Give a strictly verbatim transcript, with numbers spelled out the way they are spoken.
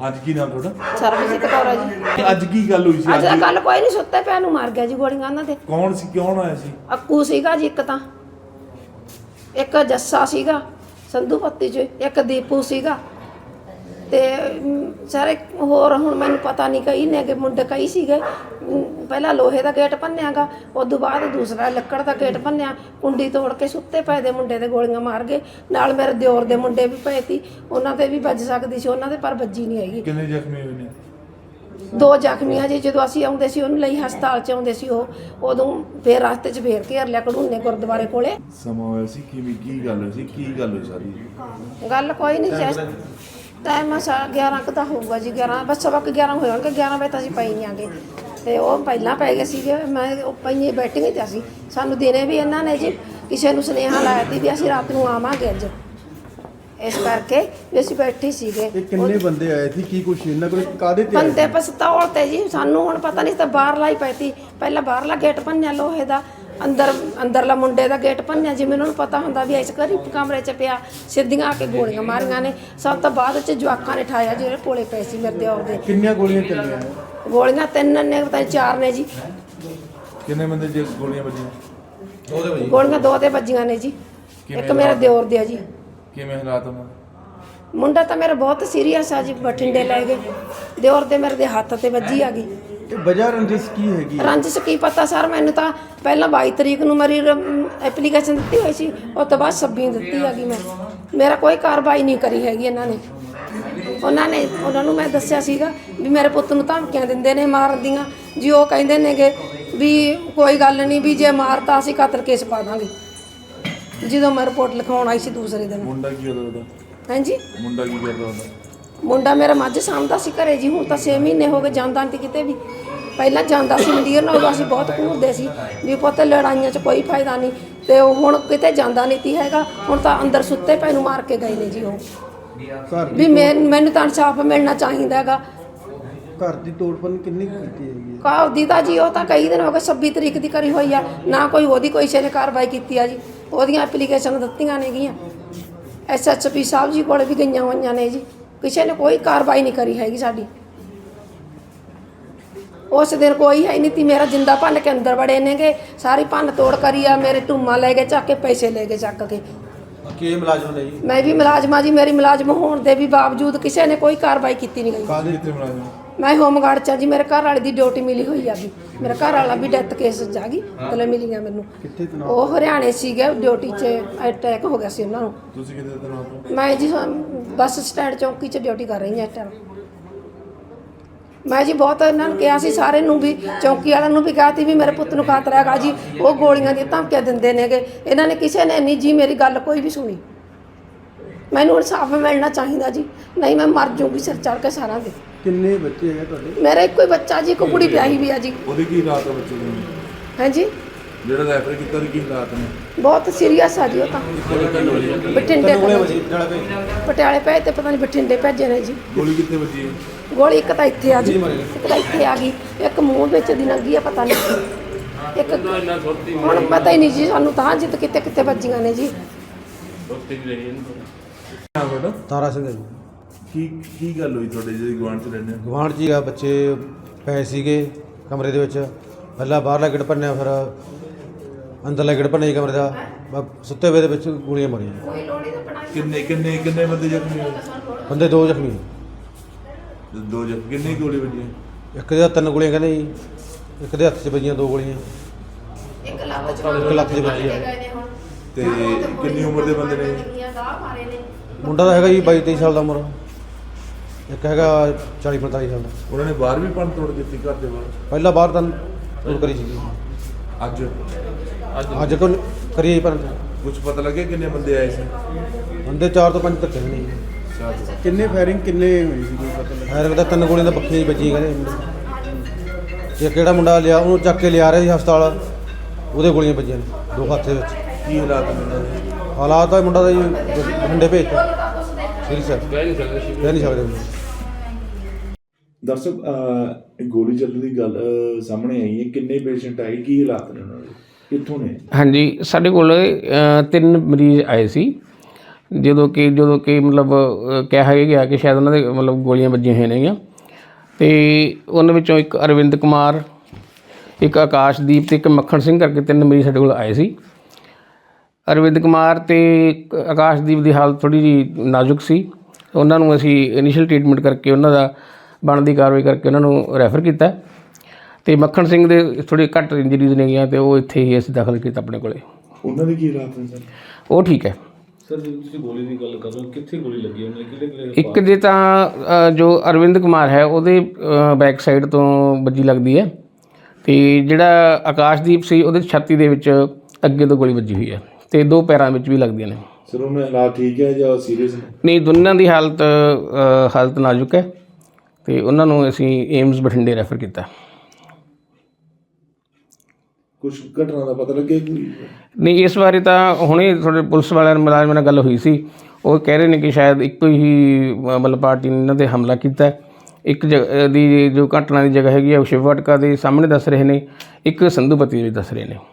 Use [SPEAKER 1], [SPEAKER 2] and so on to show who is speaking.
[SPEAKER 1] ਅੱਜ ਕੀ ਨਾਮ ਤੁਹਾਡਾ?
[SPEAKER 2] ਸਰਬਜੀਤ ਕੌਰ ਆ ਜੀ।
[SPEAKER 1] ਅੱਜ ਕੀ ਗੱਲ ਹੋਈ ਸੀ?
[SPEAKER 2] ਅੱਜ ਤਾਂ ਕੱਲ ਕੋਈ ਨਹੀਂ ਸੁੱਤੇ ਪਿਆ ਨੂੰ ਮਾਰ ਗਿਆ ਜੀ ਗੋਲੀਆਂ ਉਹਨਾਂ ਦੇ।
[SPEAKER 1] ਕੌਣ ਸੀ, ਕੌਣ ਆਇਆ ਸੀ?
[SPEAKER 2] ਅੱਕੂ ਸੀਗਾ ਜੀ ਇੱਕ ਤਾਂ, ਇੱਕ ਜੱਸਾ ਸੀਗਾ ਸੰਧੂ ਪੱਤੀ ਚ, ਇੱਕ ਦੀਪੂ ਸੀਗਾ ਤੇ ਸਾਰੇ ਹੋਰ ਹੁਣ ਮੈਨੂੰ ਪਤਾ ਨਹੀਂ ਕਈ ਨੇ ਕਿ ਮੁੰਡੇ ਕਈ ਸੀਗੇ। ਪਹਿਲਾਂ ਲੋਹੇ ਦਾ ਗੇਟ ਭੰਨਿਆਗਾ, ਉਦੋਂ ਬਾਅਦ ਦੂਸਰਾ ਲੱਕੜ ਦਾ ਗੇਟ ਭੰਨਿਆ, ਕੁੰਡੀ ਤੋੜ ਕੇ ਸੁੱਤੇ ਪਏ ਦੇ ਮੁੰਡੇ ਦੇ ਗੋਲੀਆਂ ਮਾਰ ਗਏ। ਨਾਲ ਮੇਰੇ ਦਿਓਰ ਦੇ ਮੁੰਡੇ ਵੀ ਪਏ ਸੀ, ਉਹਨਾਂ ਤੇ ਵੀ ਵੱਜ ਸਕਦੀ ਸੀ, ਉਹਨਾਂ ਦੇ ਪਰ ਵੱਜੀ ਨਹੀਂ ਹੈਗੀ।
[SPEAKER 1] ਕਿੰਨੇ ਜ਼ਖਮੀ ਹੋਏ ਨੇ?
[SPEAKER 2] ਦੋ ਜ਼ਖਮੀ ਆ ਜੀ। ਜਦੋਂ ਅਸੀਂ ਆਉਂਦੇ ਸੀ ਉਹਨੂੰ ਲਈ ਹਸਪਤਾਲ ਚ ਆਉਂਦੇ ਸੀ ਉਹ, ਉਦੋਂ ਫੇਰ ਰਸਤੇ ਚ ਫੇਰ ਘੇਰ ਲਿਆ ਕਢੂਨੇ ਗੁਰਦੁਆਰੇ ਕੋਲੇ।
[SPEAKER 1] ਸਮਾਂ ਹੋਇਆ ਸੀ ਕਿਵੇਂ, ਕੀ ਗੱਲ ਹੋਈ ਸੀ, ਕੀ ਗੱਲ ਹੋਈ ਸਾਰੀ?
[SPEAKER 2] ਗੱਲ ਕੋਈ ਨਹੀਂ ਜੈਸ ਟਾਈਮ ਸਾ ਗਿਆਰਾਂ ਕੁ ਦਾ ਹੋਊਗਾ ਜੀ, ਗਿਆਰਾਂ ਬਸ ਸਵਾ ਕੁ ਗਿਆਰਾਂ ਹੋਏ ਹੋਣਗੇ। ਗਿਆਰਾਂ ਵਜੇ ਤਾਂ ਅਸੀਂ ਪਈ ਨਹੀਂ ਆਗੇ ਤੇ ਉਹ ਪਹਿਲਾਂ ਪੈ ਗਏ ਸੀਗੇ। ਮੈਂ ਉਹ ਪਈਏ ਬੈਠੇ ਤੇ ਅਸੀਂ ਸਾਨੂੰ ਦਿਨੇ ਵੀ ਇਹਨਾਂ ਨੇ ਜੀ ਕਿਸੇ ਨੂੰ ਸੁਨੇਹਾ ਲਾਇਆ ਸੀ ਵੀ ਅਸੀਂ ਰਾਤ ਨੂੰ ਆਵਾਂਗੇ ਅੱਜ, ਇਸ ਕਰਕੇ ਵੀ ਅਸੀਂ ਬੈਠੇ ਸੀਗੇ।
[SPEAKER 3] ਇਹ ਕਿੰਨੇ ਬੰਦੇ ਆਏ ਸੀ, ਕੀ ਕੁਛ ਇਹਨਾਂ ਕੋਲ ਕਾਹਦੇ ਤੇ ਆਏ
[SPEAKER 2] ਬੰਦੇ ਪਿਸਤੌਲ ਤੇ ਜੀ, ਸਾਨੂੰ ਹੁਣ ਪਤਾ ਨਹੀਂ ਤਾਂ ਬਾਹਰਲਾ ਹੀ ਪਈ ਤੀ। ਪਹਿਲਾਂ ਬਾਹਰਲਾ ਗੇਟ ਭੰਨਿਆ ਲੋਹੇ ਦਾ, ਅੰਦਰ ਅੰਦਰਲਾ ਮੁੰਡੇ ਦਾ ਗੇਟ ਭੰਨਿਆ। ਜਿਵੇਂ ਉਹਨਾਂ ਨੂੰ ਪਤਾ ਹੁੰਦਾ ਵੀ ਇਸ ਘਰ ਕਮਰੇ 'ਚ ਪਿਆ, ਸਿੱਧੀਆਂ ਆ ਕੇ ਗੋਲੀਆਂ ਮਾਰੀਆਂ ਨੇ। ਸਭ ਤੋਂ ਬਾਅਦ 'ਚ ਜਵਾਕਾਂ ਨੇ ਠਾਇਆ ਜਿਹੜੇ ਕੋਲੇ ਪਏ ਸੀ ਮੇਰੇ ਦਿਓਰ ਦੇ।
[SPEAKER 3] ਕਿੰਨੀਆਂ ਗੋਲੀਆਂ ਚੱਲੀਆਂ?
[SPEAKER 2] ਗੋਲੀਆਂ ਤਿੰਨ ਨੇ, ਪਤਾ ਨਹੀਂ ਚਾਰ ਨੇ ਜੀ।
[SPEAKER 1] ਕਿੰਨੇ ਬੰਦੇ ਜੇ ਗੋਲੀਆਂ ਵੱਜੀਆਂ?
[SPEAKER 3] ਦੋ ਦੇ ਵਜੇ
[SPEAKER 2] ਗੋਲੀਆਂ ਦੋ ਤੇ ਵੱਜੀਆਂ ਨੇ ਜੀ। ਇੱਕ ਮੇਰੇ ਦਿਓਰ ਦੇ ਆ ਜੀ।
[SPEAKER 1] ਕਿਵੇਂ ਹਾਲਾਤ ਉਹਨਾਂ?
[SPEAKER 2] ਮੁੰਡਾ ਤਾਂ ਮੇਰਾ ਬਹੁਤ ਸੀਰੀਅਸ ਆ ਜੀ, ਬਠਿੰਡੇ ਲੈ ਗਏ। ਦਿਓਰ ਦੇ ਮੇਰੇ ਦੇ ਹੱਥ ਤੇ ਵੱਜੀ ਆ ਗਈ।
[SPEAKER 3] ਇਹ ਵਜ੍ਹਾ ਰੰਜਿਸ਼ ਕੀ ਹੈਗੀ?
[SPEAKER 2] ਰੰਜਿਸ਼ ਕੀ ਪਤਾ ਸਰ, ਮੈਨੂੰ ਤਾਂ ਪਹਿਲਾਂ ਬਾਈ ਤਰੀਕ ਨੂੰ ਮੇਰੀ ਐਪਲੀਕੇਸ਼ਨ ਦਿੱਤੀ ਹੋਈ ਸੀ, ਉਸ ਤੋਂ ਬਾਅਦ ਛੱਬੀ ਦਿੱਤੀ ਹੈਗੀ ਮੈਂ। ਮੇਰਾ ਕੋਈ ਕਾਰਵਾਈ ਨਹੀਂ ਕਰੀ ਹੈਗੀ ਇਹਨਾਂ ਨੇ। ਉਹਨਾਂ ਨੇ ਉਹਨਾਂ ਨੂੰ ਮੈਂ ਦੱਸਿਆ ਸੀਗਾ ਵੀ ਮੇਰੇ ਪੁੱਤ ਨੂੰ ਧਮਕੀਆਂ ਦਿੰਦੇ ਨੇ ਮਾਰਨ ਦੀਆਂ ਜੀ। ਉਹ ਕਹਿੰਦੇ ਨੇਗੇ ਵੀ ਕੋਈ ਗੱਲ ਨਹੀਂ, ਵੀ ਜੇ ਮਾਰਤਾ ਅਸੀਂ ਕਤਲ ਕੇਸ ਪਾ ਦਾਂਗੇ। ਜਦੋਂ ਮੈਂ ਰਿਪੋਰਟ ਲਿਖਾਉਣ ਆਈ ਸੀ ਦੂਸਰੇ ਦਿਨ।
[SPEAKER 1] ਮੁੰਡਾ ਕੀ ਕਰਦਾ ਉਹਦਾ?
[SPEAKER 2] ਹਾਂਜੀ,
[SPEAKER 1] ਮੁੰਡਾ ਕੀ ਕਰਦਾ ਉਹਦਾ?
[SPEAKER 2] ਮੁੰਡਾ ਮੇਰਾ ਮੱਝ ਸਾਂਭਦਾ ਸੀ ਘਰੇ ਜੀ। ਹੁਣ ਤਾਂ ਛੇ ਮਹੀਨੇ ਹੋ ਗਏ ਜਾਂਦਾ ਨਹੀਂ ਕਿਤੇ ਵੀ। ਪਹਿਲਾਂ ਜਾਂਦਾ ਸੀ ਮੰਡੀਰ ਨਾਲ, ਅਸੀਂ ਬਹੁਤ ਘੂਰਦੇ ਸੀ ਵੀ ਪੁੱਤ ਲੜਾਈਆਂ 'ਚ ਕੋਈ ਫਾਇਦਾ ਨਹੀਂ, ਤੇ ਉਹ ਹੁਣ ਕਿਤੇ ਜਾਂਦਾ ਨਹੀਂ ਤੀ ਹੈਗਾ। ਹੁਣ ਤਾਂ ਅੰਦਰ ਸੁੱਤੇ ਪੈ ਨੂੰ ਮਾਰ ਕੇ ਗਏ ਨੇ ਜੀ ਉਹ।
[SPEAKER 3] ਘਰ
[SPEAKER 2] ਵੀ ਮੈਂ ਮੈਨੂੰ ਤਾਂ ਇਨਸਾਫ ਮਿਲਣਾ ਚਾਹੀਦਾ ਹੈਗਾ।
[SPEAKER 3] ਘਰ ਦੀ ਤੋੜਪਨ ਕਿੰਨੀ ਕੁ ਕੀਤੀ ਹੈਗੀ?
[SPEAKER 2] ਘਰ ਦੀ ਤਾਂ ਜੀ ਉਹ ਤਾਂ ਕਈ ਦਿਨ ਹੋ ਗਏ, ਛੱਬੀ ਤਰੀਕ ਦੀ ਕਰੀ ਹੋਈ ਆ ਨਾ, ਕੋਈ ਉਹਦੀ ਕੋਈ ਕਿਸੇ ਨੇ ਕਾਰਵਾਈ ਕੀਤੀ ਆ ਜੀ। ਉਹਦੀਆਂ ਐਪਲੀਕੇਸ਼ਨ ਦਿੱਤੀਆਂ ਨੇਗੀਆਂ, ਐਸ ਐਚ ਪੀ ਸਾਹਿਬ ਜੀ ਕੋਲ ਵੀ ਗਈਆਂ ਹੋਈਆਂ ਨੇ ਜੀ। ਕਿਸੇ ਨੇ ਕੋਈ ਕਾਰਵਾਈ ਨਹੀਂ ਕਰੀ ਹੈਗੀ ਸਾਡੀ। ਉਸ ਦਿਨ ਕੋਈ ਹੈ ਨਹੀਂ ਤੀ। ਮੇਰਾ ਜਿੰਦਾ ਭੰਨ ਕੇ ਅੰਦਰ ਵੜੇ ਨੇਗੇ, ਸਾਰੀ ਭੰਨ ਤੋੜ ਕਰੀ ਆ। ਮੇਰੇ ਟੂਮਾ ਲੈ ਕੇ ਚੱਕ ਕੇ, ਪੈਸੇ ਲੈ ਕੇ ਚੱਕ ਕੇ।
[SPEAKER 3] ਕੀ ਮੁਲਾਜ਼ਮ ਨੇ ਜੀ?
[SPEAKER 2] ਮੈਂ ਵੀ ਮੁਲਾਜ਼ਮਾਂ ਜੀ, ਮੇਰੀ ਮੁਲਾਜ਼ਮ ਹੋਣ ਦੇ ਵੀ ਬਾਵਜੂਦ ਕਿਸੇ ਨੇ ਕੋਈ ਕਾਰਵਾਈ ਕੀਤੀ ਨਹੀਂ ਗਈ।
[SPEAKER 1] ਕਾਹਦੇ ਕਿੱਥੇ ਮੁਲਾਜ਼ਮ?
[SPEAKER 2] ਮੈਂ ਹੋਮਗਾਰਡ 'ਚ ਆ ਜੀ। ਮੇਰੇ ਘਰ ਵਾਲੇ ਦੀ ਡਿਊਟੀ ਮਿਲੀ ਹੋਈ ਆ ਵੀ। ਮੇਰਾ ਘਰ ਵਾਲਾ ਵੀ ਡੈਥ ਕੇਸ 'ਚ ਆ ਗਈ, ਮਤਲਬ ਮਿਲੀਆਂ ਮੈਨੂੰ।
[SPEAKER 3] ਕਿੱਥੇ ਤਨਾਅ?
[SPEAKER 2] ਉਹ ਹਰਿਆਣੇ ਸੀਗੇ ਡਿਊਟੀ 'ਚ, ਅਟੈਕ ਹੋ ਗਿਆ ਸੀ ਉਹਨਾਂ ਨੂੰ।
[SPEAKER 1] ਤੁਸੀਂ ਕਿੱਥੇ ਤਨਾਤ ਹੋ?
[SPEAKER 2] ਮੈਂ ਜੀ ਬੱਸ ਸਟੈਂਡ ਚੌਂਕੀ 'ਚ ਡਿਊਟੀ ਕਰ ਰਹੀ ਹਾਂ ਇਸ ਟਾਈਮ। ਮੈਂ ਜੀ ਬਹੁਤ ਇਹਨਾਂ ਨੂੰ ਕਿਹਾ ਸੀ, ਸਾਰੇ ਨੂੰ ਵੀ, ਚੌਂਕੀ ਵਾਲਿਆਂ ਨੂੰ ਵੀ ਕਿਹਾ ਸੀ ਵੀ ਮੇਰੇ ਪੁੱਤ ਨੂੰ ਖਤਰਾ ਹੈਗਾ ਜੀ। ਉਹ ਗੋਲੀਆਂ ਦੀਆਂ ਧਮਕੀਆਂ ਦਿੰਦੇ ਨੇਗੇ। ਇਹਨਾਂ ਨੇ ਕਿਸੇ ਨੇ ਨਹੀਂ ਜੀ ਮੇਰੀ ਗੱਲ ਕੋਈ ਵੀ ਸੁਣੀ। ਮੈਨੂੰ ਇਨਸਾਫ ਮਿਲਣਾ ਚਾਹੀਦਾ ਜੀ, ਨਹੀਂ ਮੈਂ ਮਰ ਜੂਗੀ ਸਿਰ ਚੜ੍ਹ ਕੇ ਸਾਰਿਆਂ ਦੇ।
[SPEAKER 3] ਕਿੰਨੇ ਬੱਚੇ ਹੈਗੇ ਤੁਹਾਡੇ?
[SPEAKER 2] ਮੇਰਾ ਇੱਕੋ ਹੀ ਬੱਚਾ ਜੀ, ਇੱਕ ਕੁੜੀ ਵਿਆਹੀ ਵੀ ਆ ਜੀ।
[SPEAKER 1] ਉਹਦੀ ਕੀ ਹਾਲਾਤ ਹੈ ਬੱਚੇ ਦੇ?
[SPEAKER 2] ਹਾਂਜੀ,
[SPEAKER 1] ਜਿਹੜਾ ਰੈਫਰ ਕੀਤਾ ਉਹਦੀ ਕੀ ਹਾਲਾਤ ਨੇ?
[SPEAKER 2] ਬਹੁਤ ਸੀਰੀਅਸ ਆ ਜੀ ਉਹ ਤਾਂ। ਬਠਿੰਡੇ ਪਟਿਆਲੇ ਭੇਜ ਤੇ ਪਤਾ ਨਹੀਂ ਬਠਿੰਡੇ ਭੇਜੇ ਨੇ ਜੀ।
[SPEAKER 1] ਗੋਲੀ ਕਿੱਥੇ ਵੱਜੀ ਹੈ?
[SPEAKER 2] ਗੋਲੀ ਇੱਕ ਤਾਂ ਇੱਥੇ ਆ ਜੀ, ਇੱਕ ਤਾਂ ਇੱਥੇ ਆ ਗਈ, ਇੱਕ ਮੂੰਹ ਵਿੱਚ ਦੀ ਲੰਗੀ ਆ ਪਤਾ ਨਹੀਂ। ਇੱਕ ਹੁਣ ਪਤਾ ਹੀ ਨਹੀਂ ਜੀ ਸਾਨੂੰ ਤਾਂ ਜਿੱਤ ਕਿਤੇ ਕਿਤੇ ਵੱਜੀਆਂ ਨੇ ਜੀ।
[SPEAKER 1] ਹਾਂ ਤੁਹਾਡਾ?
[SPEAKER 3] ਤਾਰਾ ਸਿੰਘ ਹੈ ਜੀ।
[SPEAKER 1] ਕੀ ਕੀ ਗੱਲ ਹੋਈ ਤੁਹਾਡੇ ਜਿਹੜੇ ਗੁਆਂਢ 'ਚ ਰਹਿੰਦੇ ਹੋ?
[SPEAKER 3] ਗੁਆਂਢ 'ਚ ਹੀ ਆ, ਬੱਚੇ ਪਏ ਸੀਗੇ ਕਮਰੇ ਦੇ ਵਿੱਚ। ਪਹਿਲਾਂ ਬਾਹਰਲਾ ਗੇਟ ਭੰਨਿਆ, ਫਿਰ ਅੰਦਰਲਾ ਗੇਟ ਭੰਨਿਆ ਜੀ ਕਮਰੇ ਦਾ। ਬਸ ਸੁੱਤੇ ਵੇ ਦੇ ਵਿੱਚ ਗੋਲੀਆਂ ਮਾਰੀਆਂ।
[SPEAKER 1] ਕਿੰਨੇ ਕਿੰਨੇ ਕਿੰਨੇ ਬੰਦੇ ਜ਼ਖਮੀ ਹੋਏ?
[SPEAKER 3] ਬੰਦੇ ਦੋ ਜ਼ਖਮੀ,
[SPEAKER 1] ਦੋ ਜ਼ਖਮੀ। ਕਿੰਨੀ ਗੋਲੀ ਵੱਜੀ?
[SPEAKER 3] ਇੱਕ ਦੇ ਤਿੰਨ ਗੋਲੀਆਂ ਕਹਿੰਦੇ ਜੀ, ਇੱਕ ਦੇ ਹੱਥ 'ਚ ਵੱਜੀਆਂ ਦੋ ਗੋਲੀਆਂ,
[SPEAKER 2] ਇੱਕ ਲੱਤ 'ਚ
[SPEAKER 3] ਇੱਕ ਲੱਤ 'ਚ ਵੱਜੀ ਆ।
[SPEAKER 1] ਤੇ ਕਿੰਨੀ ਉਮਰ ਦੇ ਬੰਦੇ ਨੇ?
[SPEAKER 3] ਮੁੰਡਾ ਤਾਂ ਹੈਗਾ ਜੀ ਬਾਈ ਤੇਈ ਸਾਲ ਦਾ ਉਮਰ, ਇੱਕ ਹੈਗਾ ਚਾਲੀ ਪੰਤਾਲੀ ਸਾਲ ਦਾ।
[SPEAKER 1] ਉਹਨਾਂ ਨੇ ਬਾਹਰ ਵੀ ਭੰਨ ਤੋੜ ਕੀਤੀ ਘਰ ਦੇ ਬਾਹਰ?
[SPEAKER 3] ਪਹਿਲਾਂ ਬਾਹਰ ਤਾਂ ਤੋੜ ਕਰੀ ਸੀਗੀ,
[SPEAKER 1] ਅੱਜ
[SPEAKER 3] ਅੱਜ ਕੋ ਕਰੀ ਪਰ
[SPEAKER 1] ਕੁਝ ਪਤਾ ਲੱਗਿਆ ਕਿੰਨੇ ਬੰਦੇ ਆਏ ਸੀ?
[SPEAKER 3] ਬੰਦੇ ਚਾਰ ਤੋਂ ਪੰਜ ਧੱਕੇ ਨਹੀਂ। ਕਿੰਨੇ ਫਾਇਰਿੰਗ ਕਿੰਨੇ ਹੋਈ ਸੀ ਕੋਈ ਪਤਾ ਲੱਗਾ? ਫਾਇਰਿੰਗ ਤਾਂ ਤਿੰਨ ਗੋਲੀਆਂ ਤਾਂ ਪੱਖੀਆਂ ਹੀ ਵੱਜੀਆਂ ਕਹਿੰਦੇ। ਇੱਕ ਕਿਹੜਾ ਮੁੰਡਾ ਲਿਆ, ਉਹਨੂੰ ਚੱਕ ਕੇ ਲਿਆ ਰਿਹਾ ਸੀ ਹਸਪਤਾਲ, ਉਹਦੇ ਗੋਲੀਆਂ ਵੱਜੀਆਂ ਨੇ ਦੋ ਹੱਥ ਦੇ ਵਿੱਚ।
[SPEAKER 1] ਕੀ ਹਾਲਾਤ ਨੇ ਉਹਨਾਂ ਦੇ?
[SPEAKER 3] ਹਾਲਾਤ ਤਾਂ ਮੁੰਡਾ ਦਾ ਜੀ ਬਠਿੰਡੇ ਭੇਜਤਾ, ਸੀਰੀਅਸ ਹੈ, ਕਹਿ ਨਹੀਂ ਸਕਦੇ ਕਹਿ ਨਹੀਂ ਸਕਦੇ।
[SPEAKER 1] ਦਰਸ਼ਕ, ਗੋਲੀ ਚੱਲਣ ਦੀ ਗੱਲ ਸਾਹਮਣੇ ਆਈ ਹੈ। ਕਿੰਨੇ ਪੇਸ਼ੈਂਟ ਆਏ, ਕੀ ਹਾਲਾਤ ਨੇ ਉਹਨਾਂ ਦੇ, ਕਿੱਥੋਂ ਨੇ?
[SPEAKER 4] ਹਾਂਜੀ, ਸਾਡੇ ਕੋਲ ਤਿੰਨ ਮਰੀਜ਼ ਆਏ ਸੀ। ਜਦੋਂ ਕਿ ਜਦੋਂ ਕਿ ਮਤਲਬ ਅ, ਕਿਹਾ ਗਿਆ ਕਿ ਸ਼ਾਇਦ ਉਹਨਾਂ ਦੇ ਮਤਲਬ ਗੋਲੀਆਂ ਵੱਜੀਆਂ ਹੋਈਆਂ ਨੇਗੀਆਂ। ਅਤੇ ਉਹਨਾਂ ਵਿੱਚੋਂ ਇੱਕ ਅਰਵਿੰਦ ਕੁਮਾਰ, ਇੱਕ ਆਕਾਸ਼ਦੀਪ ਅਤੇ ਇੱਕ ਮੱਖਣ ਸਿੰਘ ਕਰਕੇ ਤਿੰਨ ਮਰੀਜ਼ ਸਾਡੇ ਕੋਲ ਆਏ ਸੀ। ਅਰਵਿੰਦ ਕੁਮਾਰ ਅਤੇ ਆਕਾਸ਼ਦੀਪ ਦੀ ਹਾਲਤ ਥੋੜ੍ਹੀ ਜਿਹੀ ਨਾਜ਼ੁਕ ਸੀ। ਉਹਨਾਂ ਨੂੰ ਅਸੀਂ ਇਨੀਸ਼ੀਅਲ ਟਰੀਟਮੈਂਟ ਕਰਕੇ ਉਹਨਾਂ ਦਾ ਬਣਦੀ ਕਾਰਵਾਈ ਕਰਕੇ ਉਹਨਾਂ ਨੂੰ ਰੈਫਰ ਕੀਤਾ। ਅਤੇ ਮੱਖਣ ਸਿੰਘ ਦੇ ਥੋੜ੍ਹੀ ਘੱਟ ਇੰਜਰੀਜ਼ ਨੇਗੀਆਂ ਅਤੇ ਉਹ ਇੱਥੇ ਹੀ ਅਸੀਂ ਦਾਖਲ ਕੀਤਾ ਆਪਣੇ ਕੋਲੇ।
[SPEAKER 1] ਉਹਨਾਂ ਦੀ ਕੀ ਰਾਤ ਹੈ ਸਰ?
[SPEAKER 4] ਉਹ ਠੀਕ ਹੈ।
[SPEAKER 5] ਸਰ ਜਦੋਂ ਤੁਸੀਂ ਗੋਲੀ ਦੀ ਗੱਲ ਕਰ ਰਹੇ ਹੋ, ਕਿੱਥੇ ਗੋਲੀ ਲੱਗੀ ਉਹਨੇ, ਕਿਹੜੇ ਕਿਹੜੇ
[SPEAKER 4] ਇੱਕ ਜੇ ਤਾਂ ਅ, ਜੋ ਅਰਵਿੰਦ ਕੁਮਾਰ ਹੈ ਉਹਦੇ ਬੈਕ ਸਾਈਡ ਤੋਂ ਵੱਜੀ ਲੱਗਦੀ ਹੈ, ਅਤੇ ਜਿਹੜਾ ਆਕਾਸ਼ਦੀਪ ਸੀ ਉਹਦੇ ਛਾਤੀ ਦੇ ਵਿੱਚ ਅੱਗੇ ਤੋਂ ਗੋਲੀ ਵੱਜੀ ਹੋਈ ਹੈ, ਅਤੇ ਦੋ ਪੈਰਾਂ ਵਿੱਚ ਵੀ ਲੱਗਦੀਆਂ ਨੇ।
[SPEAKER 1] ਸਰ ਉਹਨਾਂ ਹਾਲਾਤ ਠੀਕ ਹੈ ਜਾਂ ਸੀਰੀਅਸ ਨੇ?
[SPEAKER 4] ਨਹੀਂ, ਦੋਨਾਂ ਦੀ ਹਾਲਤ ਅ, ਹਾਲਤ ਨਾਜ਼ੁਕ ਹੈ ਅਤੇ ਉਹਨਾਂ ਨੂੰ ਅਸੀਂ ਏਮਜ਼ ਬਠਿੰਡੇ ਰੈਫਰ ਕੀਤਾ।
[SPEAKER 1] ਕੁਛ ਘਟਨਾ ਦਾ ਪਤਾ ਲੱਗਿਆ ਕੋਈ?
[SPEAKER 4] ਨਹੀਂ, ਇਸ ਬਾਰੇ ਤਾਂ ਹੁਣੇ ਥੋੜ੍ਹੇ ਪੁਲਿਸ ਵਾਲਿਆਂ ਮੁਲਾਜ਼ਮਾਂ ਨਾਲ ਗੱਲ ਹੋਈ ਸੀ। ਉਹ ਕਹਿ ਰਹੇ ਨੇ ਕਿ ਸ਼ਾਇਦ ਇੱਕੋ ਹੀ ਅ, ਮਤਲਬ ਪਾਰਟੀ ਨੇ ਇਹਨਾਂ 'ਤੇ ਹਮਲਾ ਕੀਤਾ। ਇੱਕ ਜਗ੍ਹਾ ਦੀ ਜੋ ਘਟਨਾ ਦੀ ਜਗ੍ਹਾ ਹੈਗੀ ਆ ਉਹ ਸ਼ਿਵ ਵਾਟਕਾ ਦੇ ਸਾਹਮਣੇ ਦੱਸ ਰਹੇ ਨੇ, ਇੱਕ ਸੰਧੂਪਤੀ ਵਿੱਚ ਦੱਸ ਰਹੇ ਨੇ।